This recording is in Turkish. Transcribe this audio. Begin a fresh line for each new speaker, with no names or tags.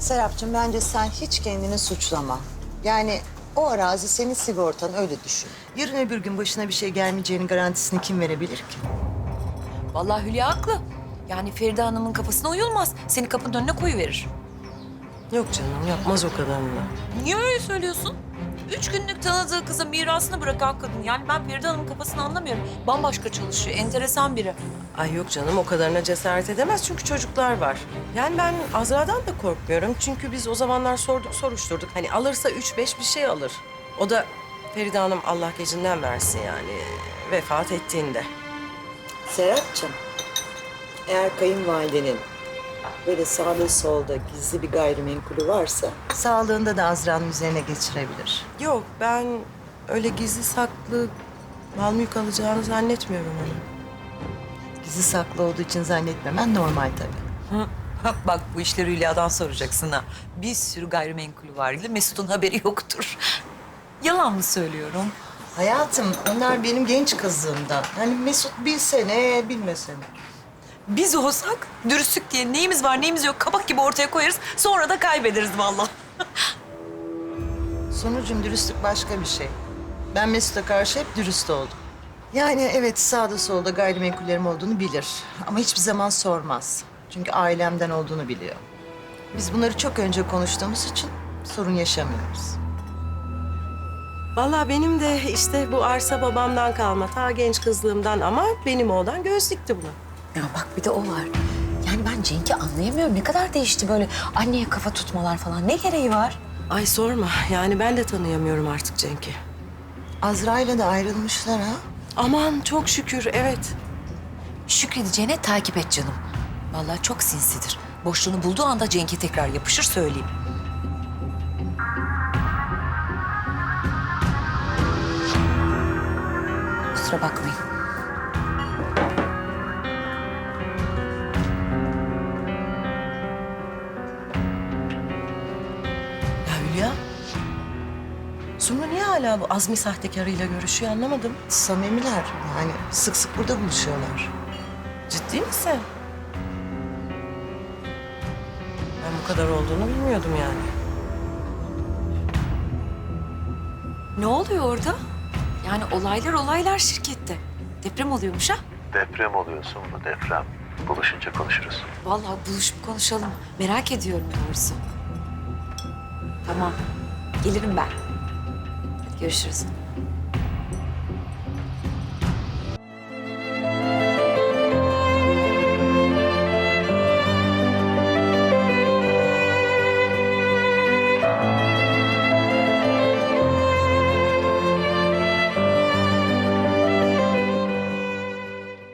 Serapcığım bence sen hiç kendini suçlama. Yani o arazi senin sigortan, öyle düşün. Yarın öbür gün başına bir şey gelmeyeceğinin garantisini kim verebilir ki?
Vallahi Hülya haklı. Yani Feride Hanım'ın kafasına uyulmaz. Seni kapının önüne koyuverir.
Yok canım, yapmaz o kadarını.
Niye öyle söylüyorsun? 3 günlük tanıdığı kıza mirasını bırakan kadın. Yani ben Feride Hanım'ın kafasını anlamıyorum. Bambaşka çalışıyor, enteresan biri.
Ay yok canım, o kadarına cesaret edemez çünkü çocuklar var. Yani ben Azra'dan da korkmuyorum. Çünkü biz o zamanlar sorduk, soruşturduk. Hani alırsa 3-5 bir şey alır. O da Feride Hanım Allah gecinden versin yani vefat ettiğinde.
Serapcığım, eğer kayınvalidenin böyle sağda solda gizli bir gayrimenkulü varsa... ...sağlığında da Azra'nın üzerine geçirebilir.
Yok, ben öyle gizli saklı mal mülk alacağını zannetmiyorum onu.
Gizli saklı olduğu için zannetmemen normal tabii.
Bak bu işleri Hülya'dan soracaksın ha. Bir sürü gayrimenkulü var. Mesut'un haberi yoktur. Yalan mı söylüyorum?
Hayatım, onlar benim genç kızlığımdan. Hani Mesut bilse ne, bilmese ne.
Biz olsak dürüstlük diye neyimiz var neyimiz yok kabak gibi ortaya koyarız. Sonra da kaybederiz vallahi.
Sonucum, dürüstlük başka bir şey. Ben Mesut'a karşı hep dürüst oldum. Yani evet, sağda solda gayrimenkullerim olduğunu bilir. Ama hiçbir zaman sormaz. Çünkü ailemden olduğunu biliyor. Biz bunları çok önce konuştuğumuz için sorun yaşamıyoruz.
Vallahi benim de işte bu arsa babamdan kalma ta genç kızlığımdan ama benim oğlan göz dikti buna.
Ya bak bir de o var. Yani ben Cenk'i anlayamıyorum. Ne kadar değişti böyle anneye kafa tutmalar falan. Ne gereği var?
Ay sorma yani ben de tanıyamıyorum artık Cenk'i.
Azra'yla da ayrılmışlar ha.
Aman çok şükür evet.
Şükredeceğine takip et canım. Vallahi çok sinsidir. Boşluğunu bulduğu anda Cenk'e tekrar yapışır söyleyeyim.
Kusura bakmayın.
Ya Hülya. Sumru niye hala bu Azmi sahtekarıyla görüşüyor anlamadım.
Samimiler, yani sık sık burada buluşuyorlar.
Ciddi misin? Ben bu kadar olduğunu bilmiyordum yani.
Ne oluyor orada? Yani olaylar şirkette. Deprem oluyormuş ha?
Deprem oluyor sonra, deprem. Buluşunca konuşuruz.
Vallahi buluşup konuşalım. Merak ediyorum doğrusu. Tamam. Gelirim ben. Hadi görüşürüz.